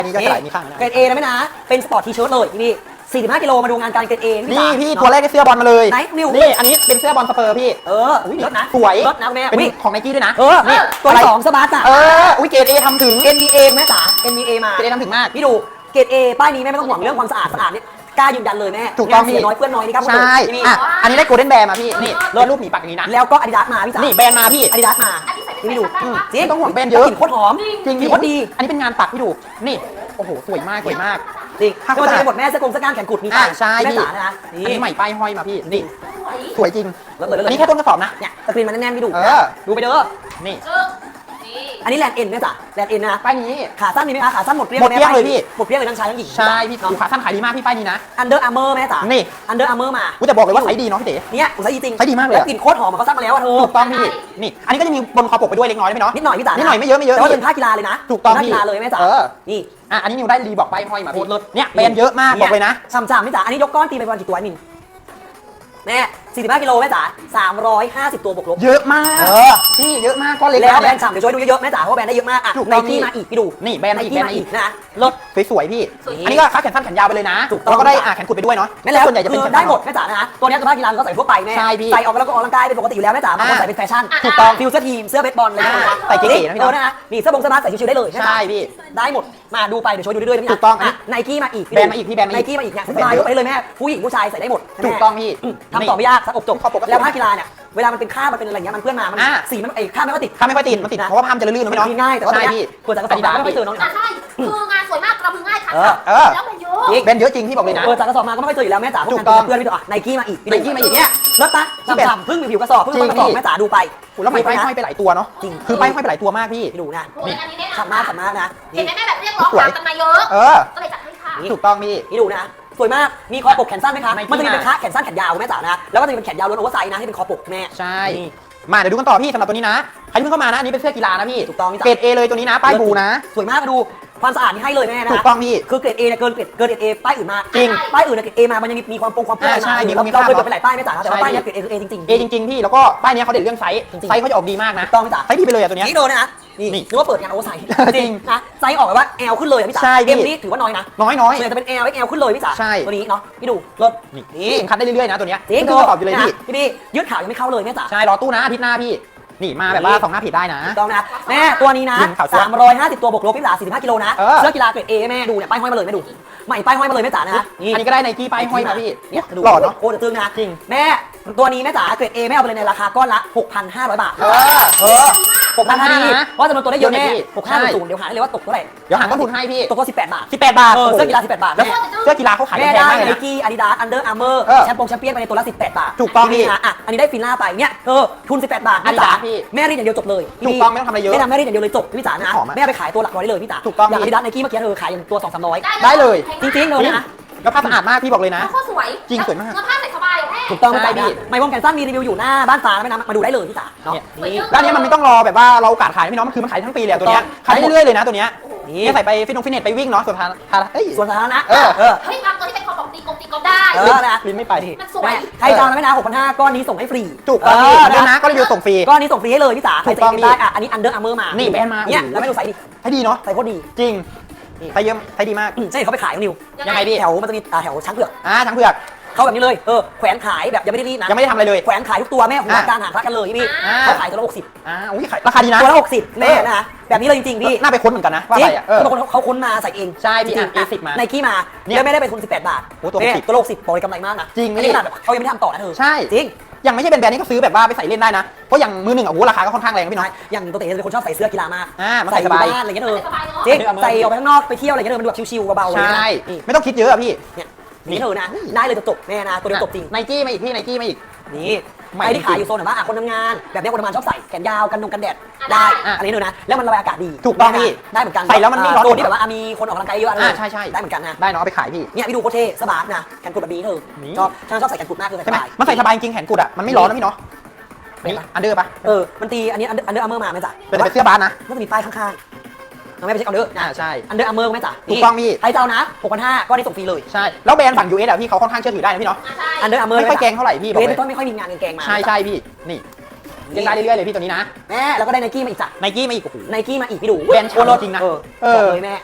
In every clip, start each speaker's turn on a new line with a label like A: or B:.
A: อันนี้ก็จะไหลมีข้างนะ
B: เกรด A นะแม่นะเป็นสปอร์ตทีเชิ้ตเลยพี่45 กิโลมาดูงานการเกรด A
A: นี่พี่ตัวแรกได้เสื้อบอลมาเลย
B: ไหนนิว
A: นี่อันนี้เป็นเสื้อบอลสเปอร์พี่
B: อุ้ยรถนะ
A: สวย
B: รถนะแม่
A: เป็น
B: อุ้ย
A: ของไนกี้ด้วยนะ
B: นี่ตัวที่2สบาร์ตอ่ะ
A: อุ้ยเกรด A ทำถึง
B: NBA แม่จ๋า NBA มา
A: เกรด A ทำถึงมาก
B: พี่ดูเกรด A ป้ายนี้แม่ไม่ต้องห่วงเรื่องความสะอาดเนี่ยกล้ายืนยันเลยแม่
A: ถูกต้อง
B: เสียน้อยเพื่อนน้อยนี่ครับ
A: ใช่อันนี้ได้โกลเด้นแบร์มาพี่นี่เลิศรูปหมีปักอย่างนี้นะ
B: แล้วก็อาดิดาสมาพี่จ๋า
A: นี่แบรนด์มาพี่
B: อาดิดาสมา
C: อันนี้ใส่
B: พี่ดู
C: จริง
A: ต้องห่วงแบรนด์เยอะ
B: กลิ่นโคตรหอม
A: จริง
B: กลิ่นโคตรดี
A: อันนี้เป็นงานปักพี่ดูนี่โอ้โหสวยมากสวยมาก
B: จริงก็จะเป็นบทแม่เสื้อกงเสื้อกล้ามแขนกุดมี
A: ใช่
B: แม่
A: พี่
B: จ๋านะ
A: อันนี้ใหม่ป้ายห้อยมาพี่นี่
C: สวย
A: สวยจริง
B: แล้ว
A: อันนี้แค่ต้นกระสอบนะ
B: เนี่ยสกรีนมันแน่นๆพี่ดู
A: นี่
B: ดูไปเด้อ
A: นี่
C: นี่
B: อันนี้แลนด์เอ็นแม่จ๋าแลนด์เอ็นนะ
A: ป้ายนี้
B: ขาสั้นมีไหมคะขาสั้นหมดเปรี้ยง
A: หมดเปรี้ยงเลยพี่
B: หมดเปรี้ยงเลยทั้งชายทั้งหญิง
A: ใช่พี่ขาสั้นขายดีมากพี่ป้ายนี้นะ
B: อันเดอร์อาร์เมอร์แม่จ๋า
A: นี่
B: อันเดอร์อาร์เมอร์มา
A: กูจะบอกเลยว่าไซส์ดีเนาะพี่เต๋
B: เนี่ยอุตสาหจริง
A: ใช้ดีมากเลย
B: แล้วกลิ่นโคตรหอมเขาซักมาแล้วอะเธอ
A: ถูกต้องพี่นี่อันนี้ก็จะมีบนคอปกไปด้วยเล็กน้อยไหมเนาะ
B: นิดหน่อยพี่จ๋า
A: นิดหน่อยไม่เยอะไม่เยอะ
B: แต่ว่าเป็นผ้ากีฬาเลยนะ
A: ถูกต้อง
B: ผ้า
A: พี่
B: กีฬาเลยแม่จ๋านี่
A: อันนี้นิวได้รีบอกป้ายห้อยมา
B: โค
A: พี่
B: ตรเลิศ
A: เนี่ยแบรนด์เยอะมากบอกเลยนะ
B: ช่ำๆพี่จ๋าอันนี้ยกก้อนตีไปประมาณกี่ตัวมินแม่45 กิโลแม่จ๋า350 ตัวบวกลบ
A: เยอะมากพี่เยอะมากก้อนเล็ก
B: แล้วแบรนด์ฉ่ำเดี๋ยวช่วยดูเยอะๆแม่จ๋าเพราะว่าแบรนด์ได้เยอะมากอ่ะ
A: ถูก
B: ไน
A: ต้อง
B: กี้มาอีกพี่ดู
A: นี่แบรนด์มาอีกแบรนด์มาอีก
B: นะรถ
A: สวยๆพี่
C: สวย
A: อันนี้ก็คาดแขนสั้นแขนยาวไปเลยนะ
B: ถูกต้อง
A: แล้วก็ได้แขนกุดไปด้วยเนาะ
B: แม่แล้ว
A: ส่วนใหญ่จะเป็น
B: คือ
A: แขน
B: ได้หมดแม่จ๋านะตัวนี้คือผ้ากีฬาก็ใส่ทั่วไปแม่
A: ใช่พี่
B: ใส่ออกแล้วก็ออกกำลังกายเป็นปกติอยู่แล้วแม่จ๋าบางคนใส่เป็นแฟชั่น
A: ถูกต้อง
B: ฟิวเสื้อทีมเสื้อเบสบอลอะไรอย่างเงี้ย
A: ใส่เก๋ๆนะพี่เนอะ
B: นะนี่เสื้อบงเสื้อบาสใส่ชิวๆได้เลยแม่จ๋า
A: ใช่พี่
B: ได้หมดมาดูไปเดี๋ยวโชว์ดูเรื่อยๆนะพี่
A: ถูกต้องอ่ะ
B: ไนกี้มาอีก
A: แบรนด์มาอีกพี่แบรนด์มาอีก
B: ไนกี้มาอีกเนี่ยสบายยกไปเลยแม่ผู้หญิงผู้ชายใส่ได้หมด
A: ถูกต้องพี่
B: ทำต่อไม่ยากซักอบจบ
A: ข้อปกก็
B: แล้วผ้ากีฬาเนี่ยเวลามันเป็นข้ามันเป็นอะไรเงี้ยมันเพื่อนมามัน
A: อ่ะ
B: สีมันข้าไม่ค่อยติด
A: ถ้าไม่ค่อยติดมันติดเพราะว่าผ้ามันจะลื่นๆนะพี่เนาะ
B: ง่ายแต่ว่า
A: ใช่พี่
B: ควรจะกระสอบไม่ค่อยเจอน้อง
C: ใช่คืองานสวยมากกระมือง่ายค่ะ แล้วมันเยอะ
A: แบรนด์เยอะจริงพี่บอกเลยนะ
B: จากกระสอบมาก็ไม่ค่อยเจออยู่แล้วแม่จ๋าพวก
A: ถู
B: งาน
A: กต้อง
B: เพื่อนพี่ตัวไนกี้มาอีก
A: Nike มาอีก
B: เนี่ยรถปะฉ่ำๆพึ่งผิวกระสอบพึ่งต้นกระสอบแม่จ๋าดูไป
A: แล้วใหม่ป้ายห้อยไปหลายตัวเนาะ
B: จริง
A: คือป้ายห้อยไปหลายตัวมากพี่
B: ดูนะ
C: โอ้ยอันนี้แน่นอน
B: ฉ่ำมากนะ
C: เห็นไหมแม่แบบเรียกร้องหากันมาเยอะ ก็เลยจัดให้ค่ะ
A: ถูกต้องพี่
B: นี่ดูนะสวยมากมีคอปกแขนสั้นไหมคะ
A: Nike
B: มันจะมีเป็นขาแขนสั้นแขนยาวแม่จ๋านะแล้วก็จะมีเป็นแขนยาวล้วนโอเวอร์ไซส์นะที่เป็นคอปกแม่
A: ใช่ มาเดี๋ยวดูกันต่อพี่สำหรับตัวนี้นะใครที่เพิ่งเข้ามานะอันนี้เป็นเสื้อกีฬานะพี่
B: ถูกต้องพี่จ๋า
A: เกรด A เลยตัวนี้นะป้ายบูนะ
B: สวยมากมาดูความสะอาดนี่ให้เลยแม่นะ
A: ถูกต้องพี่
B: คือเกรด Aเนี่ยเกินเกรด A ป้ายอื่นมา
A: จริง
B: ป้ายอื่นเนี่ยเกรด A มามันยังมีความเปื้อน
A: ใช่มี
B: เรา
A: ความ
B: เคยเปิดไปหลายป้ายแม่จ๋าแต่ว่าป้ายเนี่ยเกรด A คือ A จริง
A: A จริงๆพี่แล้วก็ป้ายนี้เขาเด่นเรื่องไซส์
B: จริงๆ
A: ไซส์เขาจะออกดีมากนะ
B: ถูกต้องพี่จ๋า
A: ไซส์ดีไปเลยอะตัวเนี้ย
B: นี่โดนนะนี่
A: นี่
B: นึกว่าเปิดงานโอเวอร์ไซส์
A: จริง
B: นะไซส์ออกแบบว่า L ขึ้นเลยอะพี่จ๋า
A: ใช่พี่
B: M นี่ถือว่าน้อยนะ
A: น้อย
B: ส่วนใหญ่จะเป็น L XL ขึ้นเลยพี่จ๋า
A: ใช่
B: ตัวนี้เนาะพี่ดูรถ
A: นี่เข็มขัดได้เรื่อยๆนะตัวเนี้ย
B: จริง
A: เพิ่งประกอบอยู่เลยพี่
B: พี่ยืดขายังไม่เข้าเลยแม่จ๋า
A: ใช่รอตู้นะอาทิตย์หน้าพี่นี่มาแบบว่าสองหน้าผิดได้นะ
B: ถูกต้องนะแม่ตัวนี้นะ
A: จริงข่าวเสื้อ
B: 350 ตัวบวกลบพี่จ๋า45 กิโลนะ
A: เออ
B: เสื้อกีฬาเกรด A แม่ดูเนี่ยป้ายห้อยมาเลยแม่ดูใหม่ป้ายห้อยมาเลยแม่จ๋านะ
A: อันนี้ก็ได้ไนกี้ป้ายห้อยมาพี่
B: เนี่ยดู
A: หล่อเนาะ
B: โคตรตึงนะ
A: จริง
B: แม่ตัวนี้แม่จ๋าเกรด A แม่เอาไปเลยในราคาก้อนละ 6,500 บาท 6,500ดีเพราะจำนวนตัวได้เยอะแม่6,500เดี๋ยวหาได้เลยว่าตกเท่าไหร่
A: เดี๋ยวหาต้นทุนให้พี่
B: ตกตัว18 บาท
A: 18 บาท
B: เสื้อกีฬา18 บาท
A: แล้ว
B: แม่
A: เสื้อกีฬาเขาขาย
B: แม่
A: แพง
B: ได้
A: มากเลย
B: ไน
A: นะ
B: กี้อาดิดาสอันเดอร์อาร์เมอร์
A: เออ
B: แชมป์แชมเปี้ยนไปในตัวละ18 บาท
A: ถูกต้องพี่
B: นะอ่ะอันนี้ได้ฟิลล่าไปเนี่ยทุน18 บาท
A: Adidas พี่
B: แม่รีดอย่างเดียวจบเลย
A: ถูกต้องไม่ต้องทำอะไรเยอะ
B: ไม่ทำแม่รีดอย่างเดียวเลยจบพี่จ๋านะ
A: หอมอะ
B: แม่ไปขายตัวหลักร้อยได้เลยพี่จ๋า
A: ถูกต้อง
B: อย่าง
A: พี่
B: อาดิดาสไนกี้เมื่อกี้ขายอย่างตัว200-300
A: ได้เลย
B: จริงๆเลยนะ
A: แล้วผ้าสะอาดมากพี่บอกเลยนะ
C: โคตรสวย
A: จริงสวยมาก
C: เนื้อผ้าใส่สบายแม่
B: ถูกต้อง
A: ใช่
B: พี่
A: พี่
B: ไม่วงแขนสั้นมีรีวิวอยู่หน้าบ้านฟ้าไม่นะมาดูได้เลยพี่จ๋าเนาะ
A: เนี่ย
B: นี่
A: แล้วอันนี้มันไม่ต้องรอแบบว่าเราโอกาสขายพี่น้องมันคือมันขายทั้งปีเลยอะตัวเนี้ย
B: ถูกต้อง
A: ขายได้เรื่อยๆเลยนะตัวเนี้ย
B: นี่
A: เนี่ยใส่ไปฟิตเนสไปวิ่งเนาะส่วนทางเอ้ย
B: ส่วนสาธารณะ
A: เออ
C: เฮ้ยบางตัวที่เป็นคอปกตีกบได้
B: นะ
A: ลิ้นไม่ไป
C: มันสวย
B: ใครจะเอานะไม่นะ6,500ก้อนนี้ส่งให้ฟรี
A: ถูกต้องพี่เดี๋ยวนะก็รีวิวส่งฟรี
B: ก้อนนี้ส่งฟรีให้เลยพี่จ๋าใคร
A: ถู
B: จะ
A: กต้อง
B: กินได้อ่ะอันนี้อันเดอร์อาร์เมอร์มา
A: นี่
B: นี่
A: แบรนด์มา
B: เนี่ย
A: โอ้โห
B: แล้วไม่ดูใส่ดิ
A: ให้ดีเนาะ
B: ใส่โคตรดี
A: จริงใส่เยอะใส่ดีมาก
B: ใช่เขาไปขายของนิว
A: ยังไงพี่
B: แถวมันจะมีแถวช้างเผือก
A: ทั้งเผือก
B: เขาแบบนี้เลยแขวนขายแบบยังไม่ได้รีดนะ
A: ยังไม่ได้ทำอะไรเลย
B: แขวนขายทุกตัวแม่หัวการหางพระกันเลยพี่ เขาขายตัวละ60
A: อุ้ยขายราคาดีนะ
B: ตัวละ60แม่นะแบบนี้เลยจริงๆพี่
A: น่าไปค้นเหมือนกันนะว่า
B: จริ
A: อะ
B: ง
A: ไรอ่ะ
B: บางคนเขาค้นมาใส่เอง
A: ใช่พี่
B: จริง
A: A10 มา
B: ไนกี้มา
A: เนี่ย
B: แล้วไม่ได้เป็นทุน18 บาท
A: โอ้ตัว
B: เนี่ย
A: 60
B: ตัวละ60บอกเลยกำไรมากนะ
A: จริง
B: อันนี้ขนาดแบบเขายังไม่ได้ทำต่อนะเธอ
A: ใช่
B: จริง
A: ยังไม่ใช่เป็นแบรนด์นี้ก็ซื้อแบบว่าไปใส่เล่นได้นะเพราะอย่างมือหนึ่งอ่ะโอ้โหราคาก็ค่อนข้างแรงพี่น้อย
B: อย่างตัวเต๋จะเป็นคนชอบใส่เสื้อกีฬามาก
A: มันใส่สบาย
B: อยู่บ้านอะไรเงี้ยเธอ
C: สบายเนาะ
B: จริงใส่ออกไปข้างนอกไปเที่ยวอะไรเงี้ยเธอมันดูแบบชิวๆเบาๆเลย
A: ใช่
B: นะนี่
A: ไม่ต้องคิดเยอะอะพี่
B: เนี่ยนี่เธอนะได้เลยจบๆแม่นะตัวเดียวจบจริง
A: ไนกี้มาอีกพี่ไนกี้มาอีก
B: นี่
A: ใหม่
B: ไอ้ที่
A: จริง
B: ขายอยู่โซนแบบว่าคนทำงานแบบนี้คนทำงานชอบใส่แขนยาวกันแดดได้ อันนี้เธอนะแล้วมันระบายอากาศดี
A: ถูกต้องพี่
B: ได้เหมือนกัน
A: ใส่แล้วมันไม่ร้อน
B: โซนที่แบบว่ามีคนออกกำลังกายเยอะอะไร
A: ใช่
B: ได้เหมือนกันนะ
A: ได้เนาะเอาไปขายพี่
B: เนี่ยพี่ดูโคตรเท่สบายนะแขนกุดแบบนี้เธอ
A: นี่
B: ชอบฉันชอบใส่แขนกุดมากเลย
A: ใช่ไหม
B: สบาย
A: มันใส่สบายจริงแขนกุดอ่ะมันไม่ร้อนนะพี่เนาะ
B: เป็น
A: นี่
B: ปะ
A: อันเดอร์ปะ
B: มันตีอันนี้อันเดอร์อาร์เมอร์มาไหมจ๊ะ
A: เป็นเสื้อบาสนะ
B: ก็จะมีป้ายข้างๆน้องแม่ไปเช็คเอาเด้อนะ
A: ใช่
B: อันเดอร์อาร์เมอร์ไหมจ๊ะ
A: ถูกต้องพี่
B: ใครจะเอานะ6,500ก็ได้ส่งฟรีเลย
A: ใช่แล้วแบรนด์ฝั่ง US อ่ะพี่เขาค่อนข้างเชื่อถือได้นะพี่เนาะ
B: อันเดอร์อาร์เมอร์
A: ไม่ค่อยแกงเท่าไหร่พี่บอก
B: เว
A: เล
B: ส
A: ย
B: ต้นไม่ค่อยมีงานแกงมา
A: ใช่พี่นี่ยังได้เรื่อยๆเลยพี่ตัวนี้นะ
B: แม่แล้วก็ได้ไนกี้มาอีกจ้ะ
A: ไนกี้มาอีกโอ้โห
B: ไนกี้มาอีกพี่ดู
A: แบรนด์ชาโลจริงนะ
B: บอกเลยแม่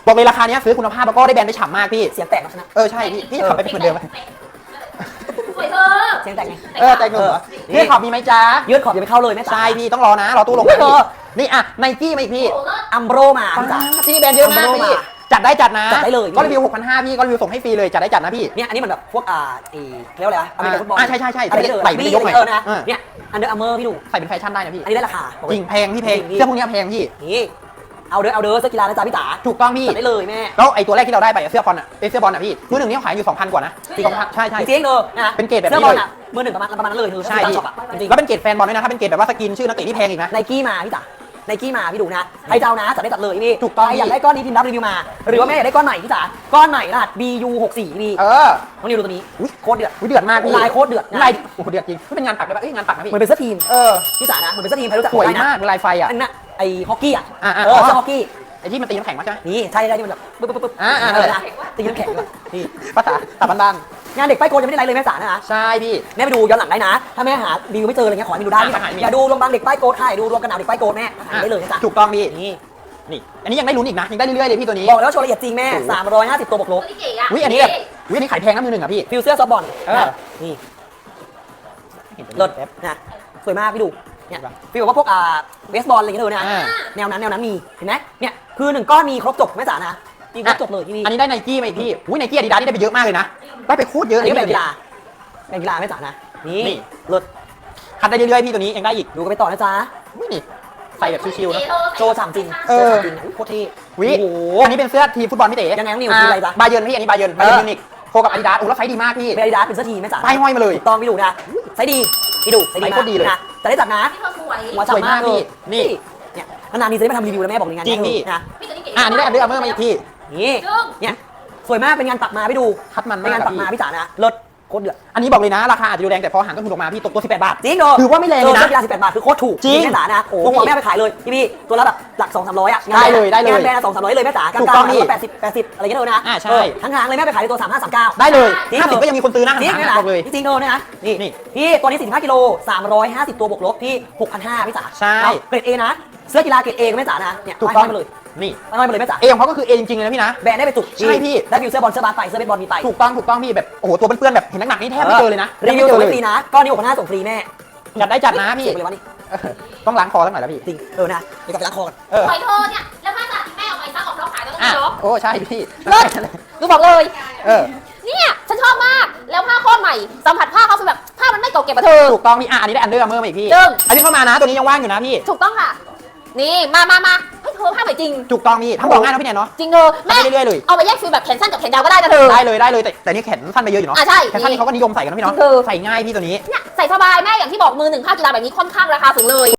A: บอกเลยราคาเนี้ยซื้อคุณภาพแล้วก็ได้แบรนด์ได้ฉ่ำมากพี่
B: เสียงแตกนะ
A: ใช่พี่จะขับไปเป็นเหมือนเดิมไหม
C: สวยเธอ
B: เสียงแตกไง
A: ใจเงินเหรอพี่ขอบมีไหมจ๊ะ
B: ยืดขอบอย่าไปเข้าเลยแม่จ๋า
A: ใช่พี่ต้องรอนะรอตู้ลง
B: เฮ้ยเธอ
A: นี่อ่ะไนกี้มาอีกพี่
C: โอ้โหเลิศ
B: อัมโบรมาพี่จ๋า
A: ที่แบรนด์เยอะมาก
B: Umbro
A: พี่
B: มา
A: จัดได้จัดนะ
B: จัดได้เลย
A: ก็รีวิว 6,500พี่ก็รีวิวส่งให้ฟรีเลยจัดได้จัดนะพี่
B: เนี่ยอันนี้มันแบบพวกเรียกว่าอะไรวะอเมริกันฟุตบอล
A: ใช่
B: อะไรเออ
A: ไหล่ไม่ได้ยกหน่อย
B: นะเนี่ยอันเดอร์อาร์เมอร์พี่ดู
A: ใส่เป็นแฟชั่นได้นะพี่
B: อันนี้ได้ราคา
A: จริงแพงพี่แพง
B: จริง
A: เสื้อพวกนี้แพงพี่
B: นี่เอาเด้อเสื้อกีฬานะจ๊ะพี่จ๋า
A: ถูกต้องพี่
B: จัดได้เลยแม่
A: แล้วไอ้ตัวแรกที่เราได้ไปเสื้อบอลอ่ะเสื้อบอลอ่ะพี่มือหนึ่งนี่ขายอยู่ 2,000 กว่านะ2,000ใช่
B: จริงๆเลยนะ
A: เป็นเกรดแบบนี้
B: เสื้อบอลอ่ะมือหนึ่งประมาณนั้นเลยคือ
A: ใช่พี่
B: ช็อปอ่ะจริง
A: แล้วเป็นเกรดแฟนบอลด้วยนะถ้าเป็นเกรดแบบว่าสกินชื่อนักเตะที่แพงอีกนะ
B: ไนกี้มาพี่จ๋าไนกี้มาพี่ดูนะใครจะเอานะจัดได้จัดเลยพี่
A: ถูกต้อง
B: ใครอยากได้ก้อนนี้พิมพ์รับรีวิวมา หรือว่าแม่อยากได้ก้อนไหนพี่จ๋าก้อนไหนรหัส BU64 พี่
A: เออ
B: น้องนิวดูตัวนี้โคตรเดือด
A: อุ๊ยเดือดมากพี่
B: ลายโคตรเดือดนะ
A: ลายโอ้โหเดือดจริงนี่เป็นงานปักเลยปะงานปักนะพี่
B: เหมือนเป็นเสื้อทีมพี่จ๋านะเหมือนเป็นเสื้อทีมใครรู้จัก
A: สวย
B: ได้นะ
A: มากลายไฟอ่ะ
B: อันนั้นไอ้ฮอกกี้อ่ะ
A: อ่า
B: เสื้อฮอกกี้
A: ไอ้ที่มันตีน้ำแข็งมาใช่ไหม
B: นี่ใช่ที่มันแบบปึ๊บ
A: อ่า
B: นะตีน้ำแข็งด้วย
A: นี่ภาษาตาบ้าน
B: งานเด็กป้ายโกนยังไม่ได้ไลฟ์เลยแม่จ๋านะ
A: ๆใช่พี่
B: แม่ไปดูย้อนหลังได้นะ ถ้าแม่หารีวิวไม่เจออะไรเงี้ยขอให้ไปดูได้พี่
A: หาไม่
B: อย่าดูรวมบางเด็กป้ายโกนค่ะอย่าดูรวมกระหน่ำเด็กป้ายโกนแม่หาได้เลยนะจ๊ะ
A: ถูกต้องพี่
B: นี่
A: นี่อันนี้ยังได้ลุ้นอีกนะยังได้เรื่อยๆเลยพี่ตัวนี้
B: บอกแล้วว่าโชว์ละเอียดจริงแม่350ตัวบวกล
C: ตัว
B: บ
C: ที่เก๋อะ
A: วิอันนี้แบบวิอันนี้ขายแพงนะมือหนึ่งอ่ะพี่
B: ฟิลเสื้อซอฟต์บอล นี่
A: เห็น
B: เลิศ
A: แป๊บ
B: นะสวยมากพี่ดูเนี่ย
A: ครับ
B: ฟีลแบบว่าพวกเบสบอลอะไรอย่างเงี้ยเลยนะ
A: อ่า
B: แนวนั้นมีเห็นไหมเนี่ยคือ1ก้อนมีครบจบแม่จ๋านะมีครบจบเลยที่นี่
A: อันนี้ได้ไนกี้มาอีกพี่อุ้ยไนกี้อาดิดาสนี่ได้ไปเยอะมากเลยนะได้ไปโคตรเยอะ
B: อัน
A: เลย
B: นี้เป็น
A: พี่
B: กีฬาเป็นกีฬาแม่จ๋านะนี่
A: นี่
B: เลิศ
A: คัดได้เรื่อยๆพี่ตัวนี้ยังได้อีก
B: ดูกันไปต่อนะจ๊ะ
A: อุ้ยนี่ใส่แบบชิวๆนะ
B: โชว์ฉ่ำจริง
A: เออ
B: โชว์ฉ่ำจริงนะอุ๊ยโคตรเท่
A: วิ
B: โอ้โห
A: อันนี้เป็นเสื้อทีมฟุตบอลพี่เต๋
B: ยังไงน้องนิวทีมอะไรจ๊ะ
A: บาเยิร์นพี่อันนี้บาเยิร์นมิวนิกโคกับอาดิดาสโอ้แล้วไซส์ดีมากพี่
B: เป็นอาดิดาสเป็นเสื้อทีมแม่จ๋า
A: ป้ายห้อยมาเลย
B: ถูกต้องพี่ดูนะใส่ดีพี่ดูใส่ดี
A: ใส่
B: มา
A: โค
B: ก
A: ตรดีเลย
B: นะแต่ได้จัดนะ
C: ที่เธอสวย
B: หัวฉ่ำมาก
A: สวยมากพี่
B: เลย
A: นี่
B: เนี่ยนานๆนี้จะได้มาทำรีวิวแล้วแม่บอกในงาน
A: จริงพี่
B: นะ
C: พี่ตัวนี้เก๋
A: อันนี้ได้อันเดอร์อาร์เมอร์มาอีกพี่
B: นี่
C: จึ้ง
B: เนี่ยสวยมากเป็นงานปักมาพี่ดู
A: คัดมัน
B: เป็น
A: มาก
B: งานปักมา
A: พี่
B: พี่จ๋านะเลิศโคตรเดือด
A: อันนี้บอกเลยนะราคาอาจจะดูแรงแต่พอหารต้นทุนออกมาพี่ตกตัว18 บาท
B: จริงเหรอ
A: ถือว่าไม่แรงเลยนะ
B: สื้อกีฬา18 บาทคือโคตรถูก
A: จริง
B: แม่จ๋านะ
A: โอ้
B: ผมบอกแม่ไปขายเลยพี่ตัวละแบบหลัก200-300อ่ะ
A: ได้เลยได้เลย
B: งานแบรนด์200-300เลยแม่จ๋ากลาง
A: ถูกต้อง
B: ๆ
A: พี่
B: ก็80อะไรเงี้ยเลยนะ
A: ใช่
B: ทั้งๆเลยแม่ไปขายในตัว35-39
A: ได้เลย
B: จริง
A: 50ก็ยังมีคนซื้อนะ
B: จริง
A: หา
B: ไหม
A: ร
B: ล่ะ
A: บอกเลย
B: จริงๆเลยนะนี่
A: นี่
B: พี่ตัวนี้45กิโล350ตัวบวกลบพี่6,500พี่จ๋า
A: ใช่
B: เกรด A นะเสื้อกีฬาเกรด A แม่จ๋านะเนี่ย
A: ถูกต้อง
B: ไปมาเลย
A: นี่
B: ไปมาเลยแม่จ๋า
A: เอของเขาก็คือเอจริงๆเลยนะพี่นะ
B: แบรนด์ได้ไปจุก
A: ใช่พี่
B: ได้ฟิวเสื้อบอลเสื้อบาสไปเสื้อเบสบอลมีไป
A: ถูกต้องพี่แบบโอ้โหตัวเปื้อนๆแบบเห็นหนักๆนี่แทบไม่เจอเลยนะ
B: รีวิว
A: แทบ
B: ส่ง
A: ไม่
B: ให้
A: เจอ
B: ฟรี
A: เลย
B: นะก้อนนี้6,500ส่งฟรีแม่
A: จัดได้จัดนะพี่
B: เสียไปเลยวะนี่
A: เออต้องล้างคอสักหน่อยแล้วพี่
B: จริงนะเดี๋ยวกลับไปล้างคอกัน
A: เออ
C: สวยเธอเนี่ยแล้วผ้าสาที่แม่เอาไปซักออกล็อกขายแล้วต้อง
A: อ่ะ
C: ล็อก
A: โอ้ใช่พี่
C: เลิศดูบอกเลย
A: เออ
C: เนี่ยฉันชอบมากแล้วผ้าโคตรใหม่สัมผัสผ้าเขาคือแบบผ้ามันไม่เก่าเก็บอะเธอ
A: ถูกต้องพี่อันนี้ได้อันเดอร์อาร์เมอร์มาอีกพี่
C: จึ้ง
A: อันนี้เข้ามานะตัวนี้ยังว่างอยู่นะพี่
C: ถูกต้องค่ะ นี่มาเฮ้ยเธอผ้าใหม่จริง
A: ถูกต้องพี่ทำบอกง่ายนะพี่แนนเนาะ
C: จริงเธอแม่
A: ทำได้เรื่อยๆเลย
C: เอาไปแยกฟิลแบบแขนสั้นกับแขนยาวก็ได้นะเธอ
A: ได้เลยแต่นี่แขนสั้นไปเยอะอยู่เนาะ
C: อ่ะใช่
A: แขนสั้นนี่เขาก็นิยมใส่กันนะพี่เนาะ
C: จริงคือ
A: ใส่ง่ายพี่ตัวนี้
C: เนี่ยใส่สบายแม่อย่างที่บอกมือหนึ่งผ้ากีฬาแบบนี้ค่อนข้างราคาสูงเลย